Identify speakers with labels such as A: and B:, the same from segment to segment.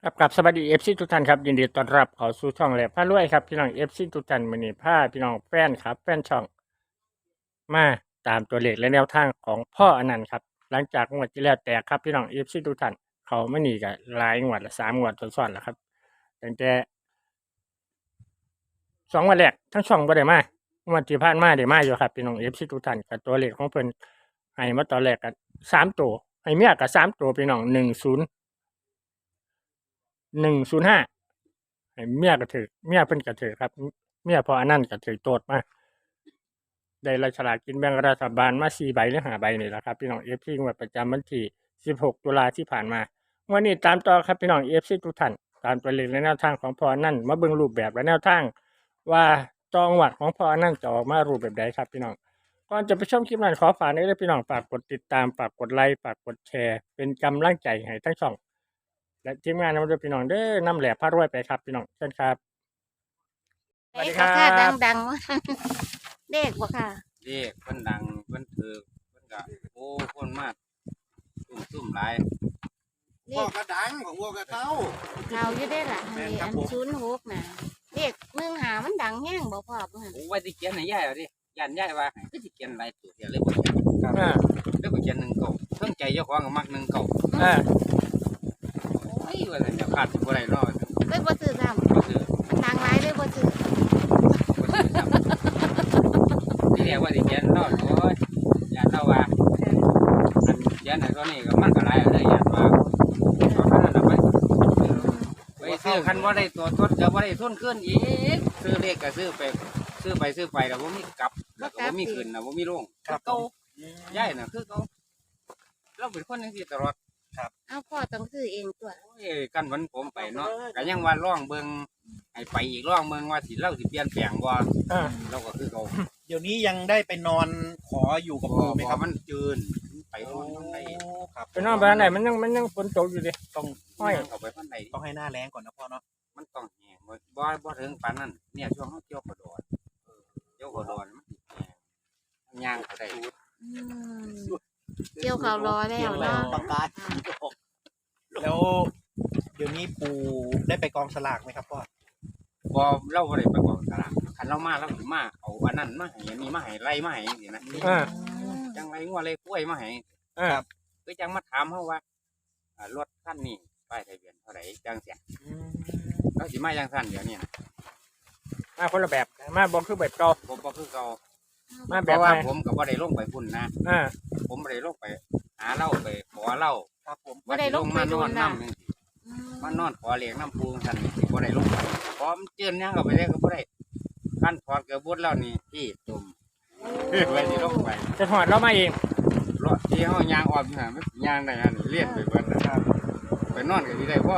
A: ครับกับสวัสดีเอฟซีทุกท่านครับยินดีต้อนรับเข้าสู่ช่องแหลมพารวยครับพี่น้องเอฟซีทุกท่านมื้อนี้พาพี่น้องแฟนครับแฟนช่องมาตามตัวเลขและแนวทางของพ่ออนันต์ครับหลังจากงวดที่แล้วแตกครับพี่น้องเอฟซีทุกท่านเขาไม่หนีกันหลายงวดละ3งวดซ้อนๆแล้วครับตั้งแต่2 วันแรกทั้งช่องบ่ได้มางวดที่ผ่านมาได้มาอยู่ครับพี่น้องเอฟซีทุกท่านกับตัวเลขของเพิ่นให้มาตอนแรกก็3ตัวให้เมียก็3ตัวพี่น้อง105ให้เมียก็ถือเมียเพิ่นก็ถือครับเมียพออันนั้นก็ถือโตดมาได้ฉลากกินแบ่งรัฐบาลมา4ใบหรือ5ใบนี่แหละครับพี่น้อง FC งวดประจำวันที่16ตุลาที่ผ่านมาวันนี้ตามต่อครับพี่น้อง FC ทุกท่านตามตัวเลขและแนวทางของพออันนั้นมาเบิ่งรูปแบบและแนวทางว่าจังหวัดของพออันนั้นจะออกมารูปแบบใดครับพี่น้องก่อนจะไปชมคลิปนั้นขอฝากให้พี่น้องฝากกดติดตามฝากกดไลค์ฝากกดแชร์เป็นกำลังใจให้ทั้งช่องและทีมงานนำด้วยพี่น้องเด้อนำแหล่พารวยไปครับพี่น้องเชิญครับสวัสดีครั
B: ค่ะ
A: บ
B: ดังๆว่า เด็กบ่ค่ะ
C: เรียกเพิ่นดังเพิ่นถือเพิ่นก็โอ้คนมากซุ่มหลาย
B: เล
D: พ่อ
B: ข
D: กระดังของวัวกระเต้า
B: เขาอยู่ได้ล่ะ
D: แม่
B: อั
D: นครับ
B: น
D: ผม
B: 06น่ะเลข15มันดังแห้งบ่พ่อเพิ่น
C: โอ้ไว้ที่เขียนให้ยายเอาดิย่านยายว่าให้คือสิเขียนหลายตัวเดียวเลยบ่เขียน
A: อ่า
C: เลยบ่เขียน1 เก่าเพิ่งใจเจ้าของก็มัก1 เก่า
A: อ่า
C: โอ้ยว่าแต่จะขาดสิบ่ได้เนาะ
B: เลยบ่ซื้อซ้
C: บ่ซื้อ
B: ำดังหลายเลยบ่ซื้อ
C: บ่ซื้อครับที่แรกว่าสิเขียนเนาะโอ้ยย่านเราว่าอันเขียนให้ตัวนี้ก็มันก็หลายเอาเด้อย่านว่าเอาเท่านั้นน่ะไปซื้อคันบ่ได้ตัวทดก็บ่ได้ทุนขึ้นอีกซื้อเลขก็ซื้อไปแล้วบ่มีกลับแล้วก็บ่มีขึ้นน่ะบ่มีลง
D: ครับ
C: เก่าย่ายน่ะคือเขาเราเป็นคนจังซี่ตลอด
B: เอาพ่อต้องซื้อเองตัว
C: โอ้ยกันวันผมไปเนาะก็ยังว่าร่องเบิงให้ไปอีกร่องเบิงว่าสิเราสิเปลี่ยนแปลงบ่
A: อ่า
C: เราก็คือเขา
D: เดี๋ยวนี้ยังได้ไปนอนขออยู่กับ
C: บ่
D: ปู่ไหมครับ
C: มันจืนไปนอนมันได้
D: ครับ
A: ไปนอนไปทางไหนมันยังฝนตกอยู่ดิ
D: ต้อง
A: ห้อย
C: เข้าไปพันใด
D: ต้องให้หน้าแรงก่อนนะพ่อเนาะ
C: มันต้องแห้งบ่ถึงปานนั้นเนี่ยช่วงเฮาเกี่ยวกระโดดเกี่ยวกระโดดมันสิแห้งย่างเขาได้
B: อืมเกี่ยวเขารอแล้วเนาะ
D: ปากกาแล้วเดี๋ยวนี้ปู่ได้ไปกองสลากไหมครับพ่อ
C: บ่เราบ่ได้ไปกองตลาดคันเรามาเราสิมาเอาอันนั้นมาให้อันนี้มาให้ไล่มาให้จังซี่นะ
A: อ่า
C: จังไรงัวไรกล้วยมาให้
A: อ่า
C: คือจังมาถามเขาว่ารถคันนี้ป้ายทะเบียนเท่าไหร่จังเสียเขาสิมาจังสั้นเดี๋ยวนี้นะ
A: มาคนละแบบมาบอกคือแบบเก่า
C: ผมบ่คือเขา
A: มา
C: เพ
A: แบบ
C: ราะ
A: ให
C: ว่า
A: ม่
C: ผมก็บ่ได้ลงไปพุ่นนะ
A: อ่า
C: ผมบ่ได้ลงไปหาเหล้าไปขอเหล้า
D: ครับผม
C: ว่าสิลงมานอนน้ำจังซี่มานอนขอเลี้ยงน้ำปูจังซั่นนี่สิบ่ได้ลงไปพร้อมเจือนหยังก็ไปได้ก็บ่ได้ขั้นถอดกระบุดแล้วนี่ที่ตุ่มไว้สิลงไป
A: จะถอดเรามาเอง
C: รถที่เฮายางออกน่ะมันยางได้อันนี้เลียนไปเบิดนะครับไปนอนก็สิได้พอ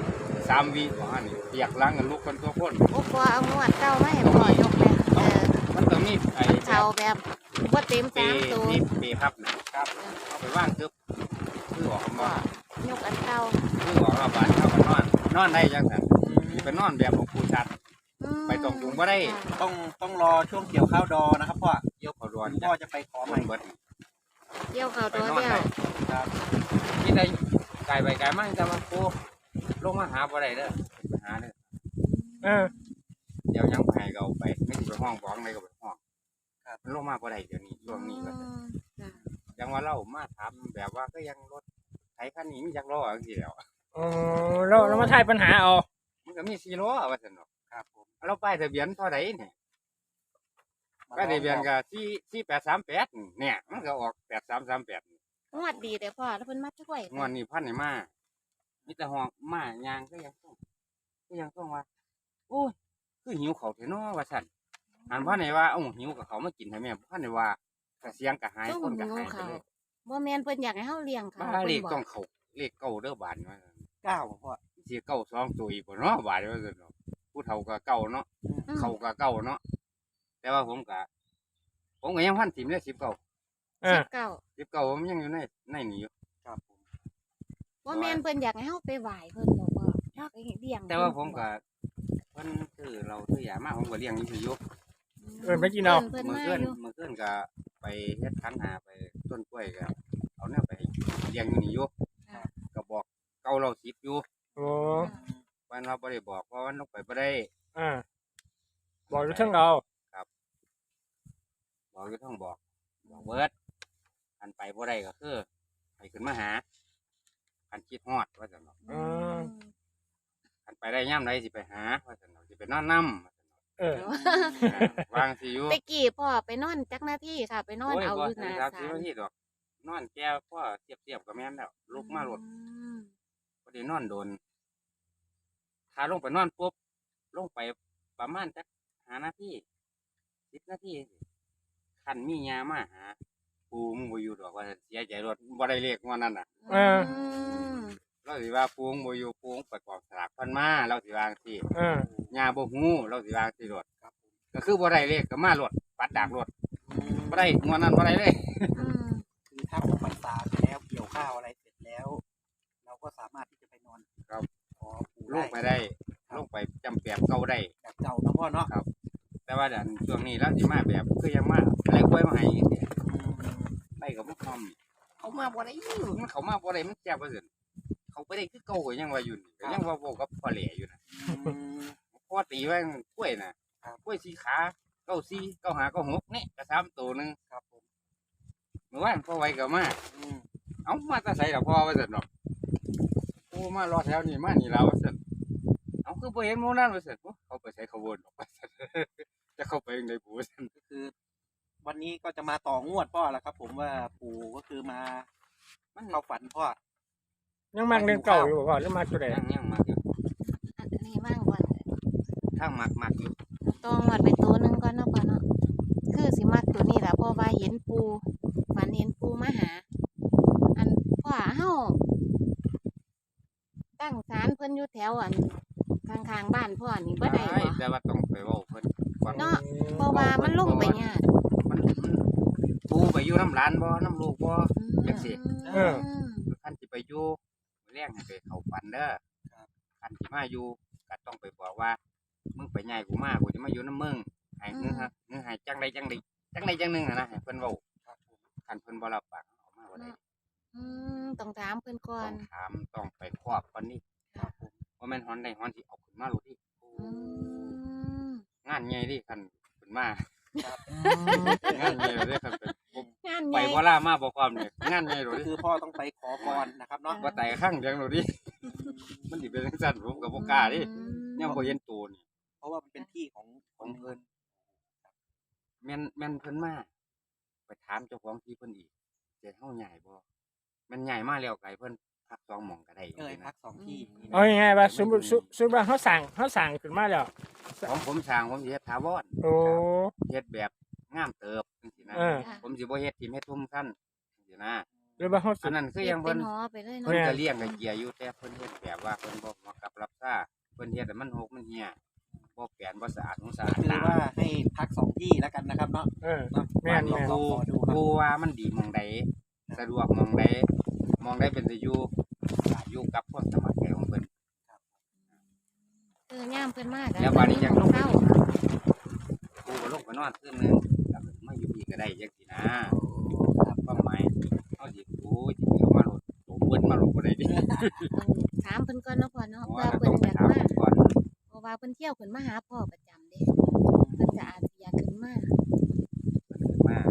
C: 3 วิบ่อันนี้เปียกหลังกันลุกคนตัวคน
B: โอ้พ่อเอางวดเก่ามาให้พ่อยกเลย
C: มันก็มีไอ้แบ
B: เขา
C: บ
B: แบบบ่เต็ม
C: เป
B: 3ตัว
C: นี่เปพับนะครับเอาไปว่างตึ๊บคือออก
B: พ่อ
C: มาย
B: กอันเก่า
C: คือออกมาบ้านเข้ากันนอนได้จังซั่นไปนอนแบบของผู้ชัด ไปตรงจุงบ่ได้
D: ต้องรอช่วงเกี่ยวข้าวดอนะครับพ่อ
C: เกี่ยวเขาดวน
D: พ่อจะไปขอใหม่
C: เบิด
B: เกี่ยวเขา
C: ไป
B: ตัวน
C: อน
B: เดีย
C: ได้
B: ว
D: ครับ
C: ที่ใดไก่ไปไก่มาแต่ว่าปูลงมาหาบ่ได้เด้อไปหาเด้อ
A: อ่า
C: เดี๋ยวยังไปก็เอาไปไม่สิไปห้องฟ้องใดก็ไปห้องครับมันลงมาบ่ได้เดี๋ยวนี้ช่วงนี้ก็ ยังว่าเรามาถามแบบว่าก็ยังรถไถคันนี้มีจักล้อจังซี่แหล้ว
A: อ๋อเรามาทายปัญหาเอา
C: มันก็มี4ล้อว่าซั่นเนาะครับผมเราป้ายทะเบียนเท่าใดนี่ป้ายทะเบียนก็4838เนี่ยมันก็ออก8338นี่
B: งวดดีแต่พ่อแล้วเพิ่นมาช่วย
C: งวดนี้พันนี่มามีแต่ห้องมายางก็ยังต้องว่าโอ้ยคือหิวข้าวแท้เนาะว่าซั่นอันพันนี่ว่าเอ้าหิวกับเขาวมากินให้แม่พันนี่ว่าก็เสียงก็หายคนก็หายไปเลย
B: บ่แม่นเพิ่นอยากให้เฮาเลี้ยงเขา
C: บ้าเลข
B: เพิ่นบ
C: ต้
B: อ
C: อก งเข้าเลขเก้าเด้อบาดว่าซั่น
D: เก้าพ่อ
C: สิเก้า2ตัวอีกบ่เนาะบาดว่าซั่นเนาะผู้เฒ่าก็เก้าเนาะ เขาก็เก้าเนาะแต่ว่าผมก็ยังพันถิ่มเลย19
A: อ่า
B: 19
C: ผมยังอยู่ในนี่อยู่
D: ครับผม
B: บ่แม่นเพิ่นอยากให้เฮาไปไหว้เพิ่นบอกว่าอยากให้เลี้ยง
C: แต่ว่าผมก็เพิ่นซื้อเราซื้อยามาผมก็เลี้ยงอยู่อยู่
A: เอิ้นไปกินเอา
B: เพิ่น
C: มื้อ
B: มา
C: คืน
B: อยู่
C: มื้อคืนก็ไปเฮ็ดคันหาไปต้นกล้วยก็เอาแนวไปเลี้ยงอยู่นี่อยู่ก็บอกเก่าเรา10อยู่
A: โอ้
C: ว่าบ่ได้บอกเพราะว่าลงไปบ่ได้
A: บอกอยู่เทั้งเรา
C: บอกอยู่ทั้งบอกเบิดอันไปบ่ได้ก็คือให้ขึ้นมาหาอันคิดฮอดว่าซั่นเนาะ อันไปได้ย่ำใดสิไปหาว่าซั่นเนาะสิไปนอนนํว่าซั่นเนาะ วางสิอยู่
B: ตะกี้พ่อไปนอนจักหน้าที่ค่ะ ไปนอนเอาอยู่หน้า
C: ครับ
B: ศา
C: สิ
B: ล
C: ว่าที่ดอกนอนแก้วพ่อเทียบๆกับแม่นแล้วลุกมาโลด บ่ได้นอนโดนถ้าลงไปนอนปุ๊บลงไปประมาณจัก5นาที10นาทีคันมียามาหาปูมึงบ่อยู่ดอกว่าซั่นเสียใจรถบ่ได้เลขงวดนั้นน่ะ เราสิว่าปูมึงบ่อยู่ปูมึงไปกองสลากเพิ่นมาเราสิว่าจังซี่ยาบ่ฮู้เราสิว่าจังซี่รถก็คือบ่ได้เลขก็มารถปัดดากรถบ่ได้งวดนั้นบ่ได้เลย
D: คือถ้าออกพรรษาไปแล้วเกี่ยวข้าวอะไรเสร็จแล้ว เราก็สามารถที่จะไปนอน
C: ครับ
D: ขอปู่
C: ลงไปได้ลงไปจำแปบเก่าได้
D: แบบเก่าเนาะพ่อเนาะ
C: แต่ว่าเดี๋ยวช่วงนี้เราสิมาแบบคือยังมาอะไรกล้วยมาให้จังซี่ไล่กับบ่พร้อมเขามาบ่ได้มันเขามาบ่ได้มันแซ่บว่าซั่นเขาไปได้คือเก่าก็ยังว่าอยู่นี่ก็ยังว่าเว้ากับพ่อแหล่อยู่นะพ่อตีไว้กล้วยน่ะกล้วยสีขา94 95 96นี่ก็3ตัวนึง
D: ครับผม
C: เมื่อวานพ่อไว้ก็มาเอามาแต่ไสล่ะพ่อว่าซั่นเนาะโอ้มารอแถวนี้มานี่แล้วว่าซั่นเอาคือบ่เห็นหมู่นั้นว่าซั่นโอ้เขาไปใส่เขาวนออกไปซั่น จะเข้าไปจังได๋ปู่ว่าซั่น
D: ก็คือ วันนี้ก็จะมาต่องวดพ่อแล้วครับ ผมว่าปู่ก็คือมามันเข้าฝันพ่อ
A: ยังมักเล่นเก่าอยู่บ่หรือมาตัวใด
C: ยังมักอยู่
B: อันนี้ว่างก่อน
C: ทางมักอยู่
B: ต้องวัดไปตัวหนึงก่อนเนาะพ่อเนาะคือสิมักตัวนี้ล่ะเพราะว่าเห็นปูฝันเห็นปูมาหา อันพ่อเฮาตั้งศาลเพิ่นอยู่แถวอันข้างๆบ้านพ่อนี่บ่ได้บ่
C: แต่ว่าต้องไปเว้าเพิ่นก่อน
B: เนาะ เพราะว่ามันลงไปยาก
C: มันปู่ไปอยู่น้ำหลานบ่น้ำลูกบ่ จังสิ คันสิไปอยู่มื้อแรงให้ไปเข้าฝันเด้อคันสิมาอยู่ก็ต้องไปบอกว่ามึงไปย้ายกูมากูจะมาอยู่นำมึงให้นึกให้จังใดจังหนึงน่ะนะให้เพิ่นเว้าคันเพิ่นบ่รับปากเอามาบ่ได้
B: ต้องถามเพิ่นก่อ
C: ต้
B: น
C: องถามต้องไปครอบก่อนนี่ว่าแม่นฮอนได้ฮอนสิเอาขึ้นมาโลดดิ
B: อืม
C: งานใหญ่ดิคันขึ้นมา งานใหญ่เลยคันเป็นผม
B: งานให
C: ไป
B: ญ่
C: บ่ล่ามาบ่พร้อมเนี่ยงานใหญ่โลด
D: ก็
C: ดิ
D: คือพ่อต้องไปขอพรนะครับเนาะ
C: บ่ไต่ข้างเดียวโลดดิมันสิเป็นจังซั่นผมก็บ่กล้าดิยังบ่เห็นตัวนี่
D: เพราะว่ามันเป็นที่ของเงิน
C: แม่นเพิ่นมาไปถามเจ้าของที่เพิ่นอีกสิเฮาย้ายบ่แม่นย้ายมาแล้วไกเพิ่นพัก2หม่องก็ได้
D: พักสองที่อย่างนี้นะ
A: เอาง่ายๆว่าสมมุติว่าเฮาสร้างขึ้นมาแล้ว
C: ของผมสร้างผมสิเฮ็ดถาวร
A: โอ้
C: เฮ็ดแบบงามเติบจังซี่นะ ผมสิบ่เฮ็ดทิ่มเฮ็ดทุ่มซั่นจังซี่นะ
A: หรือว่าเฮาสิ
C: อันนั้นคือยัง
B: เป็
C: เพิ่
B: น
C: น
B: หอไปเลย
C: เพิ่น
B: เนาะ
C: ก็เลี้ยงกับเกียอยู่แต่เพิ่นเฮ็ดแบบว่าเพิ่นบ่เหมาะกับรับซ่าเพิ่นเฮ็ดให้มันหกมันเหี่ยบ่แปลนบ่สะอาดหูสะอาด
D: คือ
C: ตา
D: ว่าให้พักสองที่แล้วกันนะครับเนาะ
A: แม่น
D: ลองขอดูครับ
C: กูว่ามันดีหมองใดสะดวกหมองใดเป็นสิอยู่อยู่กับพวกสมัครใจของเพิ่น
B: ย่ามเพิ่นมาก
C: แล้วบัดนี้จังลง
B: เข้า
C: กูก็ลงไปนอนคืนนึงแล้วก็มาอยู่พี่ก็ได้จังซี่นะความหมายเฮาสิกูสิเอามาโลดโตเพิ่นมาโลดบ่ได้ดิ
B: ถามเพิ่นก่อนเนาะพ่อเนาะ
C: เพราะ
B: เพื่
C: ว่า
B: อ
C: ต้
B: เพิ่
C: อน งไป
B: อยาก
C: ถาม
B: มา
C: ก่อน
B: เพราะว่าเพิ่นเที่ยวขึ้นมาหาพ่อประจำเด้เพิ่นจะอาจสิอยากขึ้นมา
C: เพิ่นขึ้นมา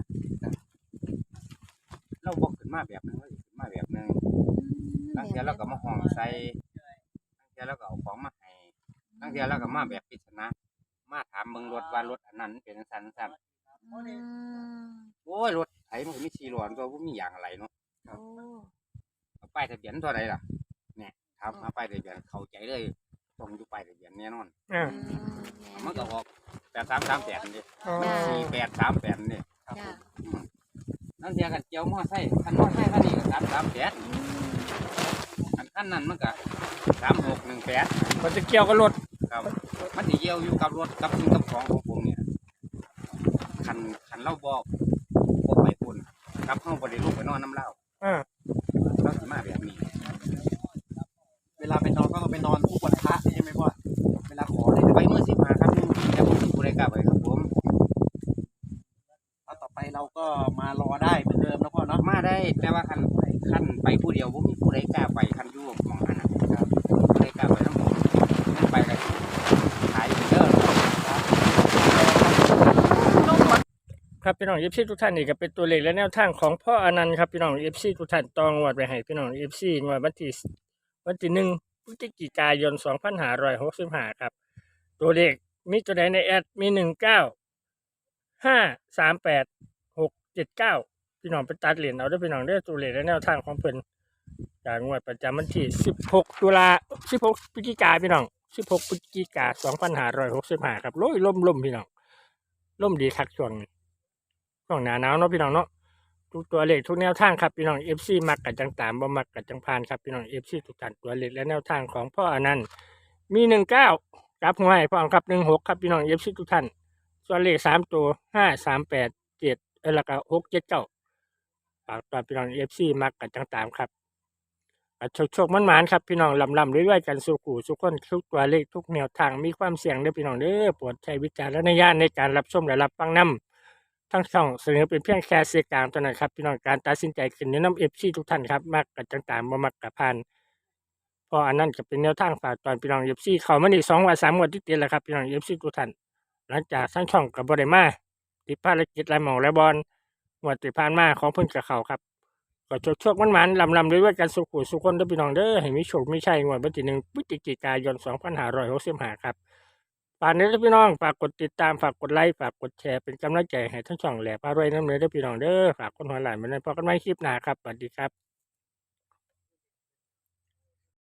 C: เราบ่ขึ้นมาแบบนึงเราสิขึ้นมาแบบนึง บางเทีเราก็มาห้องใส่บางเทีเราก็เอาของมาให้บางเทีเราก็มาแบบปริศนามาถามเบิ่งรถว่ารถอันนั้นเป็นจังซั่นโอ้ยรถไถมันก็มี4ล้อตัวบ่มีอย่างอะไรเนาะ
B: โอ้
C: เอาป้ายทะเบียนเท่าใดล่ะเนี่ยถามหาป้ายทะเบียนเข้าใจเลยต้องอยู่ป้ายทะเบียนแน่นอนมันก็ออก8338นี่ 4838นี่
B: จ้ะ
C: นั่นเทียกันเจียวมอไซค์คันมอไซค์คันนี้ก็338คันนั้นมันก็3618
A: มันจะเกี่ยวกับรถ
C: ครับมันสิเกี่ยวอยู่กับรถกับสิ่งกับของของผมเนี่ยคันเราบอกไปพุ่นกับเฮาบ่ได้ลงไปนอนน้ำเล่าเราสิมาแบบนี้
D: เวลาไปนอนก็ต้องไปนอนทุกวันพระใช่ไหมพ่อเวลาขอเลย
C: ไปมื้อ15ครับแต่ผมสิบ่ได้กล้าไปครับผม
D: แล้วต่อไปเราก็มารอได้เหมือนเดิมนะพ่อเนาะ
C: มาได้แต่ว่าคันไปผู้เดียวบ่มีผู้ใดกล้าไปคันอยู่หม่องนั้นน่ะครับบ่ได้กล้าไปนำผมมันไป
A: ครับพี่น้องเอฟซีทุกท่านนี่ก็เป็นตัวเลขและแนวทางของพ่ออนันต์ครับพี่น้องเอฟซีทุกท่านตองวดไปให้พี่น้องเอฟซีงวดวันที่1 พฤศจิกายน2565ครับตัวเลขมีตัวใดในแอดมี19 538 679พี่น้องไปตัดเหรียญเอาเด้อพี่น้องเด้อตัวเลขและแนวทางของเพิ่นจากงวดประจำวันที่16 ตุลา16 พฤศจิกายนพี่น้อง16 พฤศจิกายน2565ครับโอ้ยล่มพี่น้องล่มดีคักช่วงนี้ ช่วงหน้าหนาวเนาะพี่น้องเนาะทุกตัวเลขทุกแนวทางครับพี่น้องเอฟซีมักกับจังตามบ่มักกับจังพานครับพี่น้องเอฟซีทุกท่านตัวเลขและแนวทางของพ่ออนันต์มี19กับหัวให้พ่อครับ16ครับพี่น้องเอฟซีทุกท่านส่วนเลข3ตัว5 3 8 7แล้วก็6 7 9ฝากตอนพี่น้องเอฟซีมักกับจังตามครับโชคมันหมานครับพี่น้องลำเรื่อยๆกันสู่กูสุกคนทุกตัวเลขทุกแนวทางมีความเสี่ยงเด้อพี่น้องเด้อโปรดใช้วิจารณญาณในการรับชมและรับฟังนำ ทั้งช่องเสนอเป็นเพียงแค่สื่อกลางเท่านั้นครับพี่น้องการตัดสินใจขึ้นในน้ำเอฟซีทุกท่านครับมักกับต่างๆบ่มักกับพานเพออันนั้นก็เป็นแนวทางฝากตอนพี่น้องเอฟซีเขามานี่2 วัน 3 งวดติดๆแล้วครับพี่น้องเอฟซีทุกท่านหลังจากทั้งช่องกับบ่ได้มาติดภารกิจหลายหม่องหลายบอลงวดที่ผ่านมาของเพิ่นกับเขาครับก็โชคมันลำด้วยกันสุขุสุขคนเด้อพี่น้องเด้อให้มีโชคมีชัยงวดวันที่1 พฤศจิกายน2565ครับ ฝากนี้ด้วยพี่น้องฝากกดติดตามฝากกดไลค์ฝากกดแชร์เป็นกำลังใจให้ทั้งช่องแหลบอร่อยน้ำเนื้อด้วยพี่น้องเด้อฝากคนหัวหลานมาในพอกันไม่คลิปหน้าครับสวัสดีครับ